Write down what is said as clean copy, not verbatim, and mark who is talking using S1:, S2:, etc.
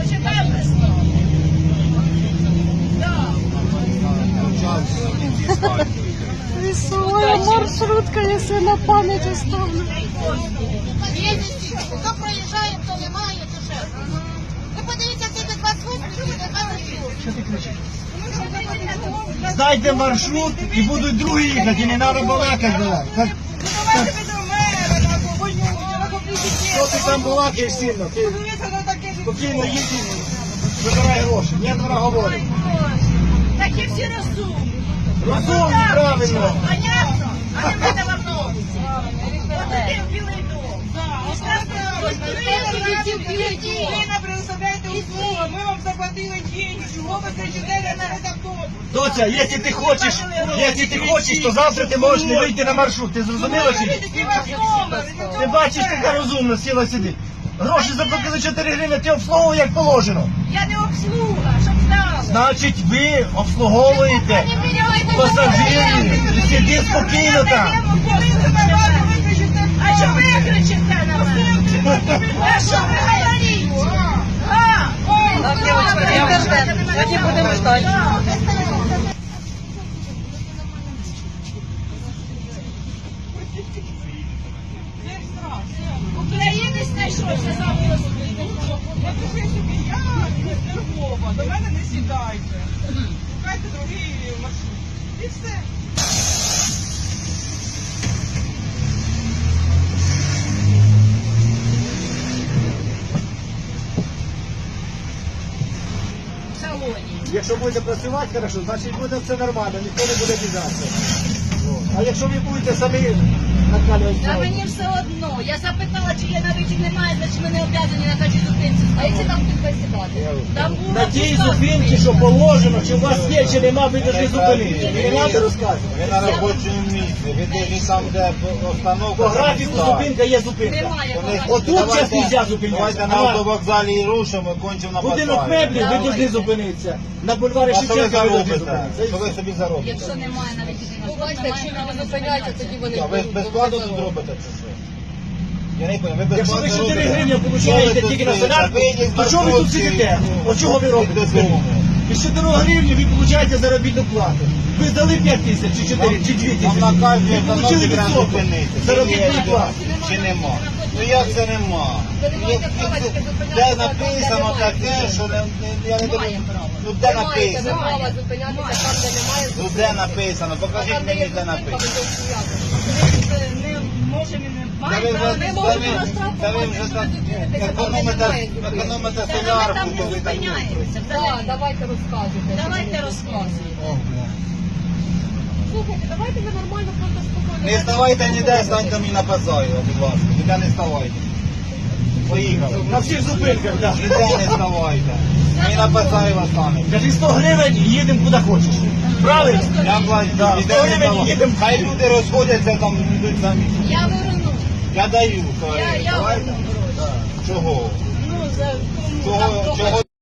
S1: Почекай весну.
S2: Веселая маршрутка, если на память оставлю.
S3: Хто проїжджає, хто немає, то ще. Ви подивіться, це без вас
S4: Що ти кричиш? Знайте маршрут і будуть другі їхати, і не треба балакати. Що ти там балакаєш сильно? Ти спокійно їдь, вибирай гроші. Я два говорю.
S1: Такі всі розумні.
S4: Розумні, правильно.
S1: Понятно? А не в мене в автобусі. От один білий дом. І сказали,
S5: Ви нам предоставляєте услугу, ми вам заплатили деньги, чого ви кричите на автобус?
S4: Доця, якщо ти хочеш, то завтра ти можеш не вийти на маршрут. Ти зрозуміла чи ні? Ти бачиш, така розумна, сіла сидить. Гроші заплатили 4 гривні, ти обслуговує як положено.
S1: я не обслуга, щоб знали.
S4: Значить, ви обслуговуєте пасажирів. Сиди спокійно там.
S1: А що ви кричите на мене? А що ви говорите? А?
S2: Так, девочка, интернет. Сьогодні будемо ждати.
S1: Українець знайшовся завтра.
S5: Напиши собі, я з Львова, до мене не сідайте. Шукайте другий маршрут. І все.
S1: В салоні.
S4: Якщо будете працювати хорошо, значить буде все нормально, ніхто не буде бідатися. А якщо ви будете самі накалювати,
S1: Та мені все одно. Я запитала, чи є на вихід немає, значить ми не обов'язані на кожній зупинці. А якщо там тут посідати? Там було
S4: на тій
S1: пусто.
S4: зупинці, що положено, чи у вас є, чи нема, ви повинні зупинитися. Ви не треба розказувати.
S6: Ви на робочому місці, ви дивіться там, де остановка.
S4: По графіку зупинка є зупинка.
S1: Немає.
S4: Отут зараз не можна зупинятися.
S6: Давайте на автовокзалі і рушимо, кончимо на
S4: Будинок
S6: Пасаї.
S4: меблів, ви повинні зупинитися. На бульварі
S6: А що ви
S4: Шевченка ви повинні
S6: заробите? Що
S4: зупинитися.
S6: ви собі заробите?
S1: Якщо немає на вихід,
S2: Бачите, якщо люди зупиняються, тоді вони
S6: А ви безплатно тут робите чи що? Я не пам'ятаю, ви
S4: Якщо ви
S6: безплатно
S4: 4
S6: робите?
S4: гривні
S6: Що ви
S4: получаєте
S6: тут
S4: тільки на
S6: стоїте?
S4: солярку,
S6: Вийдіть з
S4: то чого ви тут
S6: маршрутки,
S4: сидите? От чого ви робите?
S6: додому.
S4: Із 4 гривні ви получаєте заробітну плату. Ви здали 5 тисяч, чи 4, чи 2
S6: Вам
S4: тисячі.
S6: на кожній
S4: Ви
S6: установці
S4: получили
S6: треба
S4: відсоток
S6: зупинитися.
S4: заробітної
S6: Є,
S4: плати.
S6: Чи нема? Ну як це нема? Де написано таке, що я не думаю, ну де написано?
S2: права зупинятися там, де немає
S6: Ну де написано? Покажіть мені, де написано.
S1: не можемо і не
S6: Та ви
S1: маємо.
S6: вже та ви вже так економите
S1: Та ми
S6: солярку,
S1: там не
S6: коли так.
S1: зупиняємося.
S2: Так, давайте розказуйте.
S1: Давайте розказуємо.
S2: Слухайте, давайте ви нормально просто спокійно.
S6: Не ставайте ніде, станьте мені на Пасаю, будь ласка. Ніде не ставайте. Поїхали.
S4: На всіх зупинках, так.
S6: Ніде не ставайте. Мені на Пасаєва станете.
S4: Кажи 100 гривень і їдемо куди хочеш. Правильно?
S6: Я плачу,
S4: Да,
S6: ніде
S4: 100
S6: не
S4: гривень
S6: ставайте.
S4: їдемо.
S6: Хай люди розходяться, там йдуть самі.
S1: Я верну.
S6: Я даю. то
S1: Я
S6: давайте.
S1: верну гроші.
S6: Чого?
S1: Ну, за
S6: Чого